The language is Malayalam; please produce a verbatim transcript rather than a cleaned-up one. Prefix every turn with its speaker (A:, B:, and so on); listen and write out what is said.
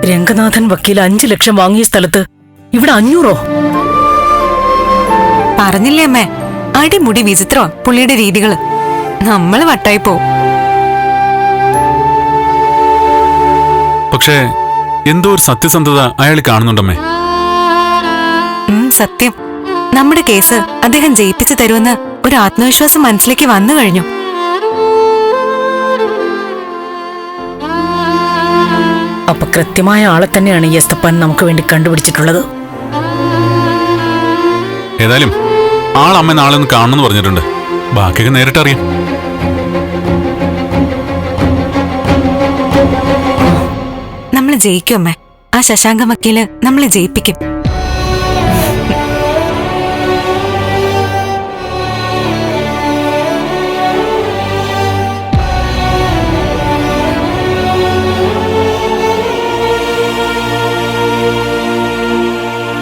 A: രംഗനാഥൻ വക്കീൽ അഞ്ചു ലക്ഷം വാങ്ങിയ സ്ഥലത്ത് ഇവിടെ അഞ്ഞൂറോ?
B: പറഞ്ഞില്ലേ അമ്മേ, അടിമുടി വിചിത്രോ പുള്ളിയുടെ രീതികള്. നമ്മള് വട്ടായി പോവും.
C: പക്ഷേ എന്തോ ഒരു സത്യസന്ധത അയാൾ കാണുന്നുണ്ടമ്മേ.
B: സത്യം, നമ്മുടെ കേസ് അദ്ദേഹം ജയിപ്പിച്ചു തരുമെന്ന് ഒരു ആത്മവിശ്വാസം മനസ്സിലേക്ക് വന്നു കഴിഞ്ഞു.
A: അപ്പൊ കൃത്യമായ ആളെ തന്നെയാണ് ഈ എസ്തപ്പാൻ നമുക്ക് വേണ്ടി കണ്ടുപിടിച്ചിട്ടുള്ളത്.
C: ഏതായാലും ആളമ്മ നാളെ ഒന്ന് കാണണമെന്ന് പറഞ്ഞിട്ടുണ്ട്. ബാക്കിയൊക്കെ നേരിട്ടറിയാം.
B: നമ്മള് ജയിക്കും അമ്മേ. ആ ശശാങ്ക വക്കീല് നമ്മളെ ജയിപ്പിക്കും.